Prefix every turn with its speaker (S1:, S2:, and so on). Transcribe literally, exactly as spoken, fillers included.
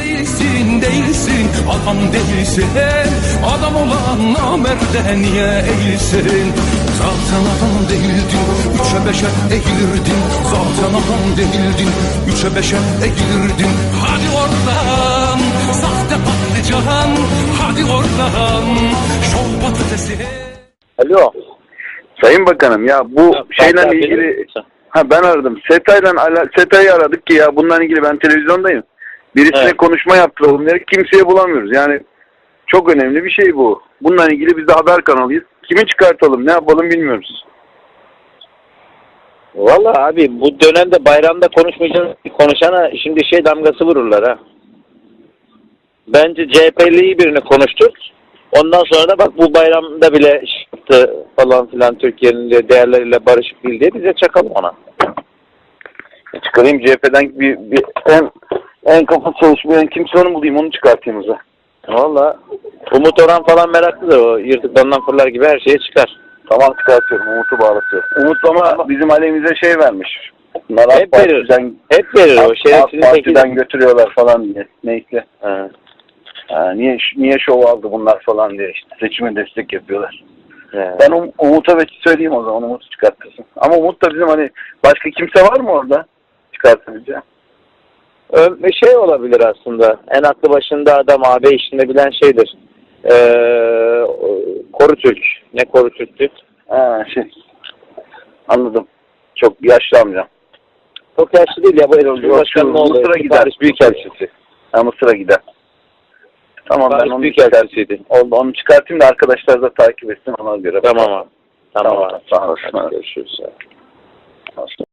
S1: Değilsin, değilsin, adam değilsin. Adam olan namerde niye eğilsin? Zaten adam değildin, üçe beşe eğilirdin. Zaten adam değildin, üçe beşe eğilirdin. Hadi oradan, sahte patlıcan. Hadi oradan, şov patatesi.
S2: Alo.
S3: Sayın Bakanım ya bu
S2: Ya,
S3: şeyle
S2: ben-
S3: ilgili
S2: ben-
S3: ha ben aradım. SETA'yla SETA'yı aradık ki ya bununla ilgili ben televizyondayım. Birisine
S2: Evet.
S3: konuşma yaptıralım dedik. Kimseye bulamıyoruz. Yani çok önemli bir şey bu. Bununla ilgili biz de haber kanalıyız. Kimi çıkartalım, ne yapalım bilmiyoruz.
S2: Vallahi abi bu dönemde bayramda konuşmayacağız. Konuşana şimdi şey damgası vururlar ha. Bence C H P'li birini konuştur. Ondan sonra da bak bu bayramda bile çıktı falan filan Türkiye'nin de değerleriyle barışık değil diye bize çakalım ona.
S3: Çıkarayım C H P'den bir, bir en en kafa çalışmayan kimse onu bulayım, onu çıkartayım o zaman.
S2: Vallahi Umut Orhan falan meraklıdır, o yırtıklarından fırlar gibi her şeye çıkar.
S3: Tamam, çıkartıyorum. Umut'u bağlatıyorum. Umut ama bizim aleyhimize şey vermiş. Bunlar
S2: Hep
S3: AK
S2: verir.
S3: Parti'den,
S2: Hep verir o
S3: AK
S2: şerefsizin
S3: Parti'den
S2: teki.
S3: götürüyorlar falan diye. Neyse.
S2: Ha.
S3: Ha, niye niye şov aldı bunlar falan diye işte seçime destek yapıyorlar.
S2: He.
S3: Ben um, Umut'a bir söyleyeyim o zaman, Umut'u çıkartırsın. Ama Umut da bizim hani başka kimse var mı orada çıkartabileceğim?
S2: Ö- Bir şey olabilir aslında. En aklı başında adam A B işini bilen şeydir. Ee, Korutürk. Ne Korutürk'tü?
S3: Ha şey. Anladım. Çok yaşlı amca.
S2: Çok yaşlı değil ya, bu Erol
S3: Şu
S2: Cumhurbaşkanı oldu.
S3: Mısır'a gider.
S2: Paris Büyükelçisi.
S3: Ha, Mısır'a gider. Tamam, ben
S2: Paris
S3: onu
S2: Büyükelçisiydi.
S3: Onu, onu çıkartayım da arkadaşlar da takip etsin ona göre.
S2: Tamam abi. Tamam,
S3: Tamam,
S2: abi.
S3: sağ olasın.
S2: Görüşürüz.